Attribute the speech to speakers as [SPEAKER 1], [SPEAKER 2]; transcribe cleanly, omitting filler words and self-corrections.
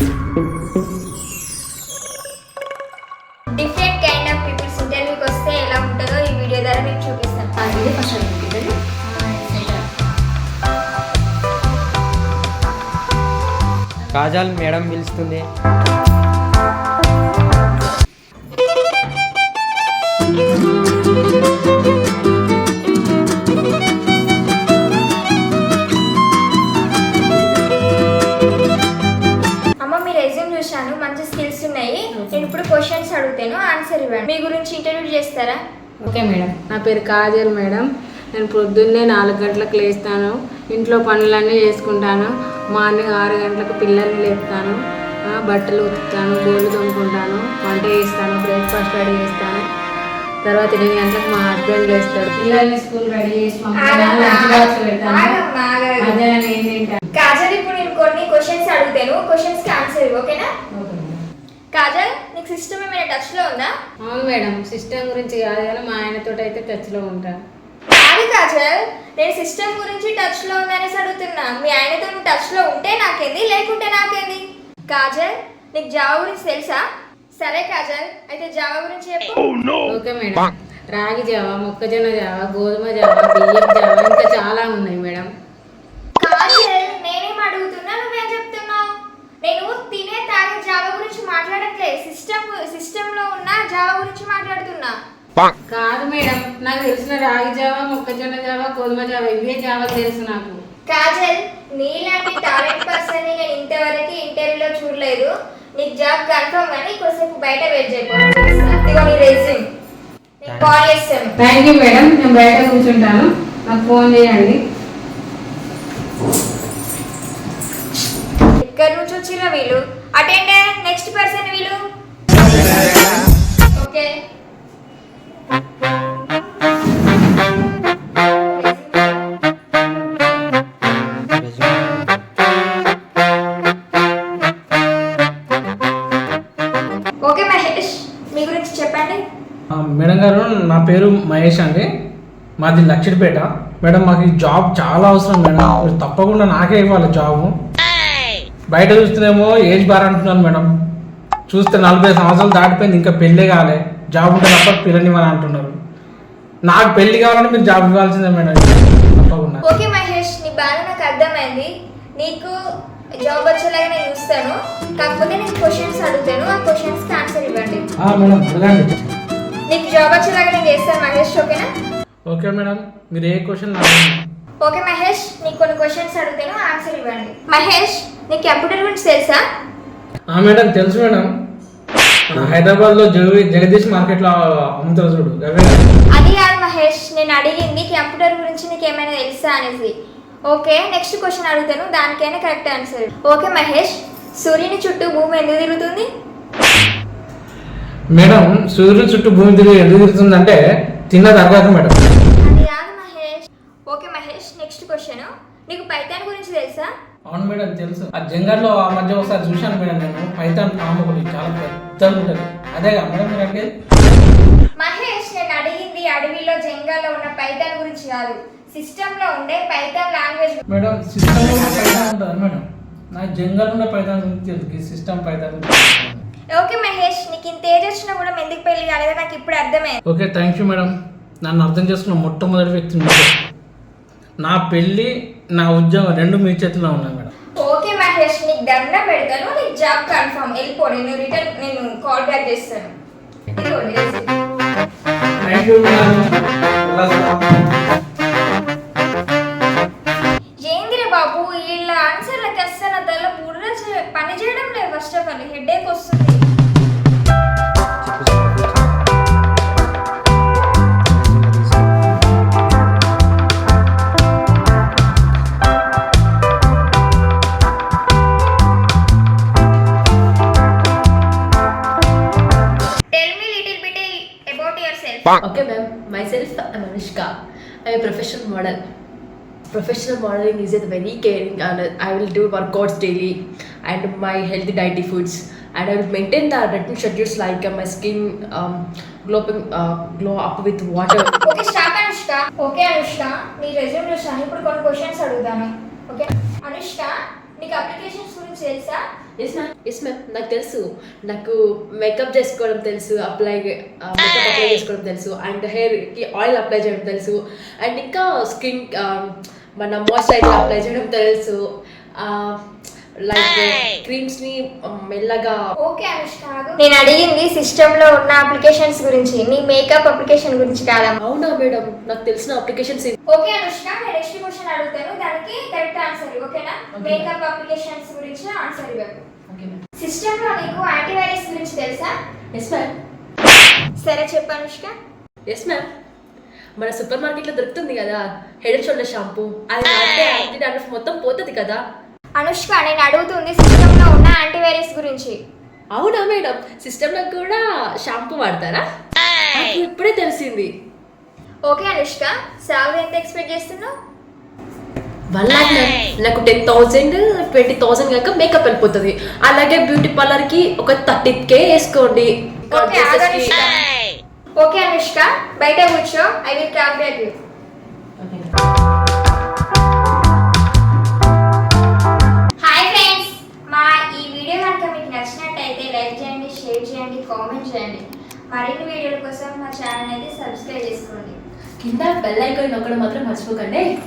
[SPEAKER 1] Different kind of peoples ఇంటర్వ్యూకి వస్తే ఎలా ఉంటుందో ఈ వీడియో ద్వారా మీకు చూపిస్తాను.
[SPEAKER 2] ఇదే ఫస్ట్ అడుగుతుంది.
[SPEAKER 3] కాజల్ మేడం పిలుస్తుంది.
[SPEAKER 1] అమ్మ మీ రెజ్యూమ్ చూశాను, మంచి స్కిల్స్ ఉన్నాయి. నేను ఇప్పుడు క్వశ్చన్స్ అడుగుతాను, ఆన్సర్ ఇవ్వండి. మీ గురించి ఇంటర్వ్యూ చేస్తారా?
[SPEAKER 2] Okay madam.
[SPEAKER 4] నా పేరు కాజల్ మేడం. నేను పొద్దున్నే 4 గంటలకు లేస్తాను, ఇంట్లో పనులన్నీ చేసుకుంటాను. మార్నింగ్ 6 గంటలకు పిల్లల్ని లేపుతాను, బట్టలు ఉతుకుతాను, బోళ్ళు తోముకుంటాను, వంట చేస్తాను, బ్రేక్ఫాస్ట్ రెడీ చేస్తాను. తర్వాత 8 గంటలకు మా హస్బెండ్ లేస్తాడు, పిల్లల్ని స్కూల్ రెడీ చేసి పంపుతాను, లంచ్ బాక్స్ పెడతాను. మధ్యాహ్నం ఏం తింటాను?
[SPEAKER 1] కాజల్ ఇప్పుడు నేను కొన్ని క్వశ్చన్స్ అడుగుతాను, క్వశ్చన్స్ కి ఆన్సర్ ఇవ్వు, ఓకేనా? కాజల్ నీకు సిస్టమ్ ఏమైనా టచ్ లో ఉందా?
[SPEAKER 4] అవును మేడం, సిస్టమ్ గురించి కాదు కానీ మా ఆయనతో అయితే టచ్లో ఉంటాను.
[SPEAKER 1] కాదు కాజల్, నేను సిస్టమ్ గురించి టచ్ లో ఉందనేసి అడుగుతున్నా. మీ ఆయనతో నువ్వు టచ్ లో ఉంటే నాకేంది, లేకుంటే నాకేంది? కాజల్ నీకు జావా గురించి తెలుసా? సరే కాజల్, అయితే జావా గురించి చెప్పు.
[SPEAKER 4] Okay madam. రాగి జావా, మొక్కజొన్న జావా, గోధుమ జావా, బియ్యం జావా, ఇంకా చాలా ఉన్నాయి మేడం.
[SPEAKER 1] కాజల్ నేనేం అడుగుతున్నా, నువ్వేం చెప్తున్నావు? నేను తినే తాగే జావా గురించి మాట్లాడట్లేదు, సిస్టమ్ లో ఉన్న జావా గురించి మాట్లాడుతున్నా.
[SPEAKER 4] కాదు మేడం, నాకు తెలిసిన రాగి జావా, మొక్కజొన్న జావా, గోధుమ జావా, ఇవే జావా తెలుసు నాకు.
[SPEAKER 1] కాజల్ నీలాంటి టాలెంట్ పర్సన్ ని నేను ఇంతవరకు ఇంటర్వ్యూలో చూడలేదు. నీకు జాబ్ కన్ఫర్మ్ కానీ కొద్దిసేపు బయట వెయిట్ చేయకపోతే నీ రెజ్యూమ్ నేను కాల్ చేస్తాను.
[SPEAKER 4] థ్యాంక్ యూ మేడం, నేను బయట కూర్చుంటాను, నాకు ఫోన్ చేయండి.
[SPEAKER 1] ఎక్కడి నుంచి వచ్చిన వీళ్ళు? అటెండర్ నెక్స్ట్ పర్సన్ వీళ్ళు. ఓకే ఓకే మహేష్, మీ గురించి చెప్పండి.
[SPEAKER 5] మేడం గారు, నా పేరు మహేష్ అండి, మాది లక్షిడిపేట. మేడం మాకు ఈ జాబ్ చాలా అవసరం మేడం, మీరు తప్పకుండా నాకే ఇవ్వాలి జాబు. బయట చూస్తేనేమో ఏజ్ బార్ అంటున్నాను మేడం, చూస్తే 40 సంవత్సరాలు దాటిపోయింది, ఇంకా పెళ్ళే కాలే, జాబ్ ఉంటే తప్ప పిల్లనివ్వని అంటున్నారు. నాకు పెళ్లి కావాలంటే మీరు జాబ్ ఇవ్వాల్సిందే మేడం, తప్పకుండా.
[SPEAKER 1] ఓకే మహేష్, నీ బాధ నాకు అర్థమైంది. నీకు జాబ్ వచ్చేలాగా నేను చూస్తాను, కాకపోతే నేను క్వశ్చన్స్ అడుగుతాను, ఆ క్వశ్చన్స్ కి ఆన్సర్ ఇవ్వండి.
[SPEAKER 5] మేడం అడగండి.
[SPEAKER 1] నీకు జాబ్ వచ్చేలాగా నేను చేస్తాను మహేష్, ఓకేనా?
[SPEAKER 5] ఓకే మేడం, మీరు ఏ క్వశ్చన్?
[SPEAKER 1] ఓకే మహేష్, నీకు కొన్ని క్వశ్చన్స్ అడుగుతాను, ఆన్సర్ ఇవ్వండి. మహేష్ నీకు కంప్యూటర్ గురించి తెలుసా?
[SPEAKER 5] మేడం తెలుసు మేడం, హైదరాబాద్ లో జగదీష్ మార్కెట్ లో అమ్ముతారు చూడు.
[SPEAKER 1] అది కాదు మహేష్, నేను అడిగింది కంప్యూటర్ గురించి నీకు ఏమైనా తెలుసా అనేసి. ఓకే నెక్స్ట్ క్వశ్చన్ అడుగుతాను, దానికైనా కరెక్ట్ ఆన్సర్. ఓకే మహేష్, సూర్యుని చుట్టూ భూమి ఎందుకు తిరుగుతుంది?
[SPEAKER 5] మేడం సూర్యుడు చుట్టూ భూమి తిరిగి ఎందుకు తిరుగుతుందంటే తిన్న తర్వాత మేడం.
[SPEAKER 1] అది కాదు Mahesh. Okay Mahesh, next question, నీకు పైథాన్ గురించి తెలుసా?
[SPEAKER 5] అవును మేడం తెలుసు, ఆ జంగల్లో ఆ మధ్య ఒకసారి చూశాను మేడం, నేను పైథాన్ పాము ఒకటి చాలా పెద్దగా ఉంటుంది, అదేగా మేడం మీరు అడిగేది?
[SPEAKER 1] మహేష్ నేను అడిగింది అడవిలో జంగల్లో ఉన్న పైథాన్ గురించి కాదు, సిస్టమ్ లో ఉండే పైథాన్ లాంగ్వేజ్.
[SPEAKER 5] మేడం సిస్టమ్ లో పైథాన్ ఉంటుంది మేడం, నాకు జంగల్ ఉన్న పైథాన్ గురించి తెలుసు, సిస్టమ్ పైథాన్.
[SPEAKER 1] ఓకే మహేష్, నీకు ఇంత ఏజ్ వచ్చినా కూడా ఎందుకు పెళ్లి కాలేదో నాకు ఇప్పుడు అర్థమైంది.
[SPEAKER 5] ఓకే థ్యాంక్ యూ మేడం, నన్ను అర్థం చేసుకున్న మొట్టమొదటి వ్యక్తి మీరు. నా పెళ్ళి నా ఉద్యోగం రెండు మీ చేతిలో ఉన్నాయి మేడం.
[SPEAKER 1] ఓకే మహేష్, నీకు దండ పెడతాను, నీకు జాబ్ కన్ఫర్మ్, వెళ్ళిపో, నేను కాల్ బ్యాక్ చేస్తాను.
[SPEAKER 5] Thank you madam.
[SPEAKER 1] ఏందిరే బాబు, వీళ్ళ ఆన్సర్లకి అస్సలు తల బుర్ర పని చేయడం లేదు. ఫస్ట్ ఆఫ్ ఆల్ హెడేక్ వస్తుంది.
[SPEAKER 2] Okay, ma'am. Myself, I'm Anushka. I'm a professional model. Professional modeling is a very caring, and I will do workouts daily and my healthy dietary foods, and I will maintain the routine schedules like my skin glow up with water.
[SPEAKER 1] Okay stop Anushka. Okay Anushka, నీ resume చూసాను, ఇప్పుడు కొన్ని questions అడుగుతాను. Okay Anushka, నీకు applications గురించి తెలుసా?
[SPEAKER 2] Yes ma'am నాకు తెలుసు. నాకు మేకప్ చేసుకోవడం తెలుసు, మేకప్ అప్లై చేసుకోవడం తెలుసు, అండ్ హెయిర్కి ఆయిల్ అప్లై చేయడం తెలుసు, అండ్ ఇంకా స్కిన్ మన మాయిశ్చరైజర్ అప్లై చేయడం తెలుసు, లైక్ క్రీమ్స్ని మెల్లగా.
[SPEAKER 1] ఓకే అనుష్క, నేను అడిగింది సిస్టంలో ఉన్న అప్లికేషన్స్ గురించి, నీ మేకప్ అప్లికేషన్ గురించి కాదమ్మా.
[SPEAKER 2] అవునా మేడం, నాకు తెలిసిన అప్లికేషన్స్.
[SPEAKER 1] ఓకే అనుష్క, నేను నెక్స్ట్ క్వశ్చన్ అడుగుతాను, దానికి కరెక్ట్ ఆన్సర్ ఓకేనా? మేకప్ అప్లికేషన్స్ గురించి ఆన్సర్ ఇవ్వకు. సిస్టంలో నీకు యాంటీవైరస్ గురించి తెలుసా?
[SPEAKER 2] Yes ma'am.
[SPEAKER 1] సరే చెప్పు అనుష్క.
[SPEAKER 2] ఎస్ మ్యామ్, మన సూపర్ మార్కెట్లో దొరుకుతుంది కదా హెడ్ అండ్ షోల్డర్ షాంపూ, అది వాడితే యాంటీ డాండ్రఫ్ మొత్తం పోతుంది కదా.
[SPEAKER 1] అనుష్క, నేను అడుగుతుంది సిస్టంలో ఉన్న యాంటీవైరస్ గురించి.
[SPEAKER 2] అవునా మేడం, సిస్టంలో కూడా షాంపూ వాడతారా? నాకు ఇప్పుడే తెలిసింది.
[SPEAKER 1] ఓకే అనుష్క, సాలరీ ఎంత ఎక్స్పెక్ట్ చేస్తున్నావు?
[SPEAKER 2] 1 lakh మ్యామ్. నాకు 10,000 20,000 కాక మేకప్ వెళ్ళిపోతుంది. అలాగే బ్యూటీ పార్లర్కి ఒక 30K వేసుకోండి.
[SPEAKER 1] ఓకే అనుష్క. ఓకే అనుష్క, బయట కూర్చో, I will call you. Hi friends, మా ఈ వీడియో కనుక మీకు నచ్చినట్టయితే లైక్ చేయండి, షేర్ చేయండి, కామెంట్ చేయండి. మరిన్ని వీడియోల కోసం మా ఛానల్ అయితే సబ్స్క్రైబ్ చేసుకోండి.
[SPEAKER 2] కింద బెల్ ఐకాన్ నొక్కడం మాత్రం మర్చిపోకండి.